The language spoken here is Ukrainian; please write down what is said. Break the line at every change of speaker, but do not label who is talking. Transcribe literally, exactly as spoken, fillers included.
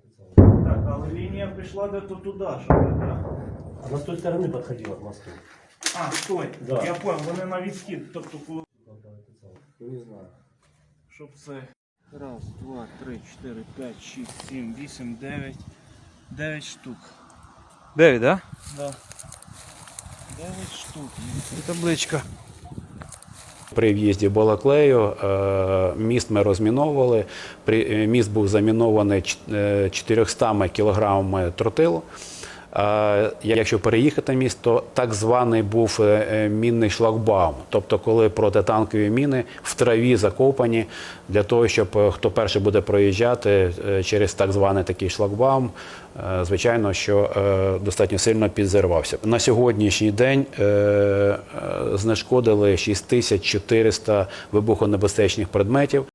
Так, але лінія пішла де-то туди, що ли, да?
Она с той стороны подходила к мосту.
А, стой,
Да.
я понял, вони на відхід, тобто коли...
Ну не знаю.
Щоб це... Раз, два, три, чотири, п'ять, шість, сім, вісім, дев'ять. Дев'ять штук.
дев'ять, да?
Да. Дев'ять штук. І табличка.
При в'їзді в Балаклею е, міст ми розміновували. При- е, Міст був замінований ч- е, чотириста кілограмами тротилу. Е, Якщо переїхати міст, то так званий був е, е, мінний шлагбаум. Тобто, коли протитанкові міни в траві закопані, для того, щоб е, хто перший буде проїжджати е, через так званий такий шлагбаум, е, звичайно, що е, достатньо сильно підзірвався. На сьогоднішній день е, е, знешкодили шість тисяч чотириста вибухонебезпечних предметів.